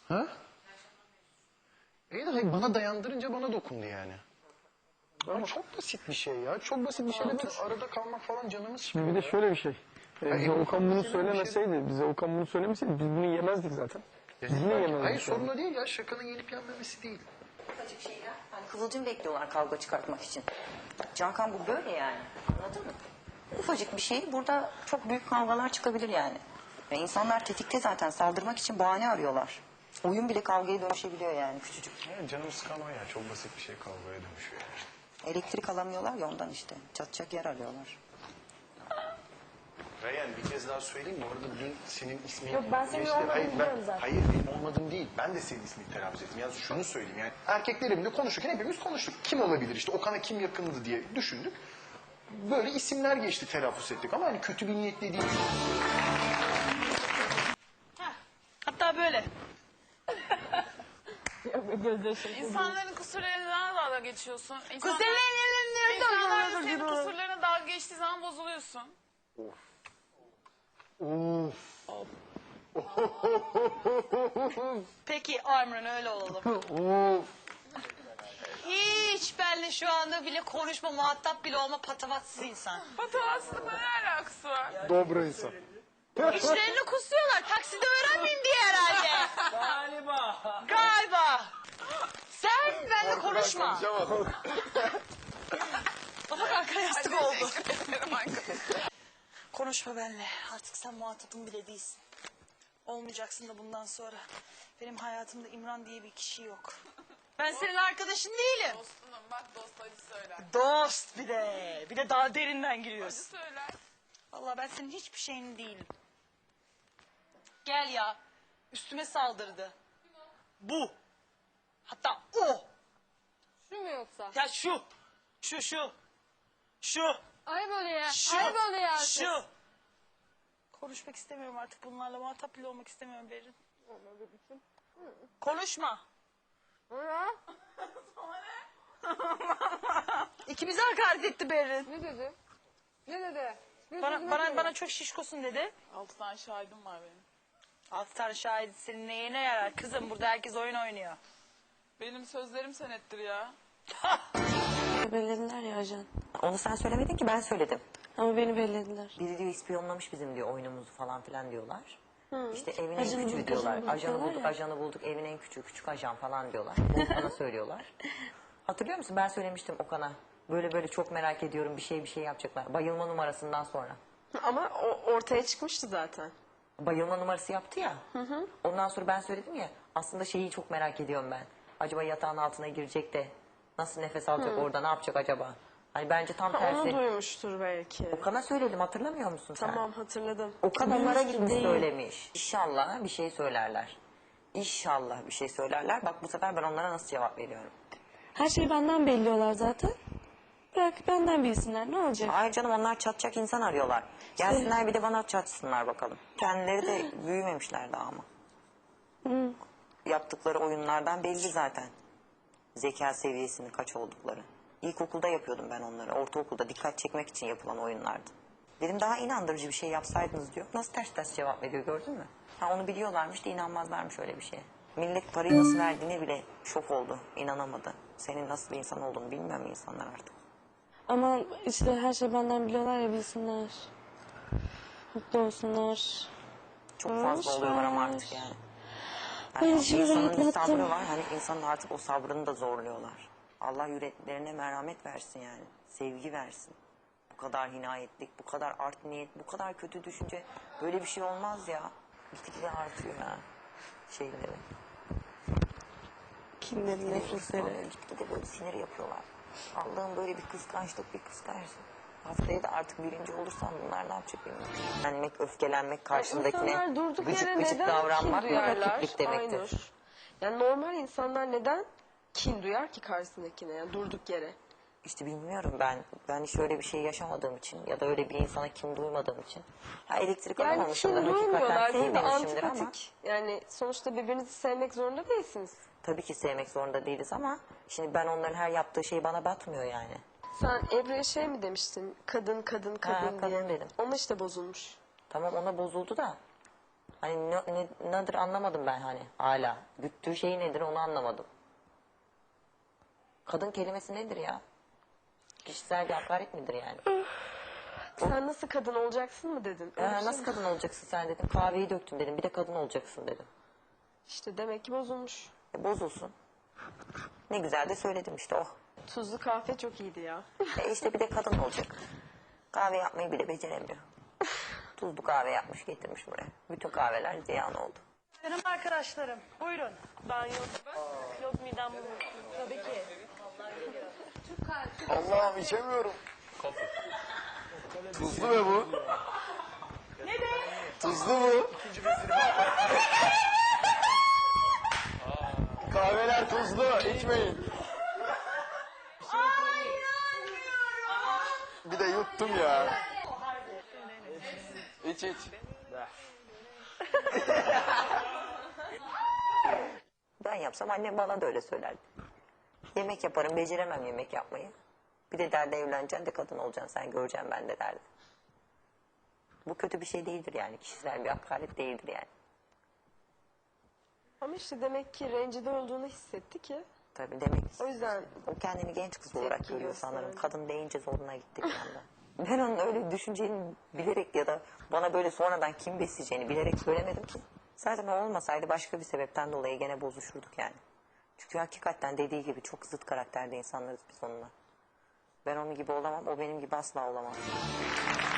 Ha? İyi de hayır, bana dayandırınca bana dokundu yani. Ama çok basit bir şey ya. Çok basit bir şeyle böyle arada kalmak falan canımız sıkıyor. Bir de şöyle bir şey. Bize Okan bunu şey söylemeseydi, bize Okan bunu söylemeseydi biz bunu yemezdik zaten. Biz yine yemezdik. Hayır sorun o değil ya. Şakanın yenip yenmemesi değil. Ufacık şeyler. Hani kıvılcım bekliyorlar kavga çıkartmak için. Cankan bu böyle yani. Anladın mı? Ufacık bir şey burada çok büyük kavgalar çıkabilir yani. Ve insanlar tetikte zaten saldırmak için bahane arıyorlar. Oyun bile kavgaya dönüşebiliyor yani küçücük. Ya canım sıkan o ya. Çok basit bir şey kavgaya dönüşüyor yani. Elektrik alamıyorlar ya ondan işte. Çatacak yer arıyorlar. Reyhan bir kez daha söyleyeyim mi? Orada dün senin ismin... Yok, ben senin olmadığını biliyorum zaten. Hayır benim olmadığım değil. Ben de senin ismini telaffuz ettim. Yani şunu söyleyeyim yani. Erkeklerimle konuşurken hepimiz konuştuk. Kim olabilir işte Okan'a kim yakındı diye düşündük. Böyle isimler geçti telaffuz ettik ama hani kötü bir niyetle değil. Hatta böyle. İnsanların kusurlarına dalga geçiyorsun. İnsanlar senin Kuzenlerin kusurlarına dalga geçtiği zaman bozuluyorsun. Peki Armran öyle olalım. Hiç benle şu anda bile konuşma, muhatap bile olma patavatsız insan. Patavatsızlıkla ne alakası var? Dobra insan. İçlerini kusuyorlar. Takside öğrenmeyeyim diye herhalde. Galiba. Sen benimle konuşma. Baba kanka yastık oldu. Konuşma benimle. Artık sen muhatabım bile değilsin. Olmayacaksın da bundan sonra. Benim hayatımda İmran diye bir kişi yok. Ben senin arkadaşın değilim. Dostunum bak dost acı söyler. Dost bir de. Bir de daha derinden Acı giriyorsun. söyler. Vallahi ben senin hiçbir şeyin değilim. Gel ya. Üstüme saldırdı. Bu. Hatta o. Şu mu yoksa? Ya şu. Şu. Ayıp oluyor ya. Şu. Ayıp oluyor artık. Şu. Konuşmak istemiyorum artık bunlarla. Muhatap bile olmak istemiyorum Berin. Konuşma. Ha? İkimize hakaret etti Berin. Ne dedi? Ne dedi? Ne Bana, dedi? bana, bana çok şişkosun dedi. 6 tane şahidim var benim. 6 tane şahit senin neyine yarar? Kızım burada herkes oyun oynuyor. Benim sözlerim senettir ya. Bellediler ya ajan. Onu sen söylemedin ki ben söyledim. Ama beni bellediler. Biri diyor ispiyonlamış bizim diyor oyunumuzu falan filan diyorlar. İşte evin Ajanı en küçüğü bulduk, diyorlar. ajanı bulduk Ajanı diyorlar bulduk, ya. ajanı bulduk. Evin en küçüğü, küçük ajan falan diyorlar. Bunu bana söylüyorlar. Hatırlıyor musun? Ben söylemiştim Okan'a. Böyle çok merak ediyorum bir şey yapacaklar. Bayılma numarasından sonra. Ama o ortaya çıkmıştı zaten. Bayılma numarası yaptı ya. Ondan sonra ben söyledim ya. Aslında şeyi çok merak ediyorum ben. Acaba yatağın altına girecek de nasıl nefes alacak orada ne yapacak acaba? Hani bence tam Onu tersi. duymuştur belki. Okan'a söyledim hatırlamıyor musun sen? Tamam hatırladım. Okan onlara Duymuş gitmiş değil. söylemiş. İnşallah bir şey söylerler. İnşallah bir şey söylerler. Bak bu sefer ben onlara nasıl cevap veriyorum. Her şeyi benden belliyorlar zaten. Bırak benden bilsinler ne olacak? Ay canım onlar çatacak insan arıyorlar. Gelsinler bir de bana çatsınlar bakalım. Kendileri de büyümemişler daha ama. Yaptıkları oyunlardan belli zaten. Zeka seviyesinin kaç oldukları. İlkokulda yapıyordum ben onları. Ortaokulda dikkat çekmek için yapılan oyunlardı. Dedim daha inandırıcı bir şey yapsaydınız diyor. Nasıl ters cevap veriyor gördün mü? Ha onu biliyorlarmış da inanmazlarmış öyle bir şeye. Millet parayı nasıl verdiğine bile şok oldu. İnanamadı. Senin nasıl bir insan olduğunu bilmiyor mu insanlar artık? Ama işte her şeyi benden biliyorlar ya bilsinler. Mutlu olsunlar. Çok fazla oluyorlar ama artık yani. Ben Yani içimi insanın bir rahatlattım. sabrı var. Hani insanın artık o sabrını da zorluyorlar. Allah yüreklerine merhamet versin yani. Sevgi versin. Bu kadar hinayetlik, bu kadar art niyet, bu kadar kötü düşünce böyle bir şey olmaz ya. Gitgide artıyor ya şeyleri. Kinleri, nefretleri. Gitgide böyle sinir yapıyorlar. Allah'ım böyle bir kıskançlık. Haftaya da artık birinci olursam bunlar ne yapacak bilmiyorum. Öfkelenmek, öfkelenmek karşındakine İnsanlar durduk gıcık yere gıcık neden davranmak kin duyarlar? rakiplik demektir. Aynur. Yani normal insanlar neden kin duyar ki karşısındakine yani durduk yere? İşte bilmiyorum ben hiç öyle bir şey yaşamadığım için ya da öyle bir insana kim duymadığım için. Ha elektrik Yani alamamışımdır, kin hakikaten duymuyorlar değil de sevmemişimdir ama. antipatik. Yani sonuçta birbirinizi sevmek zorunda değilsiniz. Tabii ki sevmek zorunda değiliz ama şimdi ben onların her yaptığı şey bana batmıyor yani. Sen Ebru'ya şey mi demiştin? Kadın diye. kadın dedim. Ona işte bozulmuş. Tamam ona bozuldu da Hani nedir anlamadım ben hani hala. Güttüğü şey nedir onu anlamadım. Kadın kelimesi nedir ya? Kişisel bir hakaret midir yani? Sen nasıl kadın olacaksın mı dedin? Öyle bir şey Nasıl mi? kadın olacaksın sen dedim. Kahveyi döktüm dedim. Bir de kadın olacaksın dedim. İşte demek ki bozulmuş. Bozulsun. Ne güzel de söyledim işte oh. Tuzlu kahve çok iyiydi ya. İşte bir de kadın olacak. Kahve yapmayı bile beceremiyor. Tuzlu kahve yapmış getirmiş buraya. Bütün kahveler ziyan oldu. Benim arkadaşlarım buyurun. Ben yok midem bulanıyor. Tabii ki. Allah'ım içemiyorum. Tuzlu mu bu? Ne de? Tuzlu mu? Kahveler tuzlu, içmeyin. Bir de yuttum ya. İç iç. Ben yapsam annem bana da öyle söylerdi. Yemek yaparım, beceremem yemek yapmayı. Bir de derdi evleneceksin de kadın olacaksın sen göreceksin ben de derdi. Bu kötü bir şey değildir yani. Kişisel bir hakaret değildir yani. Ama işte demek ki rencide olduğunu hissetti ki. Tabii demek O yüzden o kendini genç kız olarak Tepki görüyor sanırım. gösterdi. Kadın deyince zoruna gitti bir anda. Ben onun öyle düşüneceğini bilerek ya da bana böyle sonradan kim besleyeceğini bilerek söylemedim ki. Zaten o olmasaydı başka bir sebepten dolayı gene bozuşurduk yani. Çünkü hakikaten dediği gibi çok zıt karakterde insanlarız biz onunla. Ben onun gibi olamam, o benim gibi asla olamaz.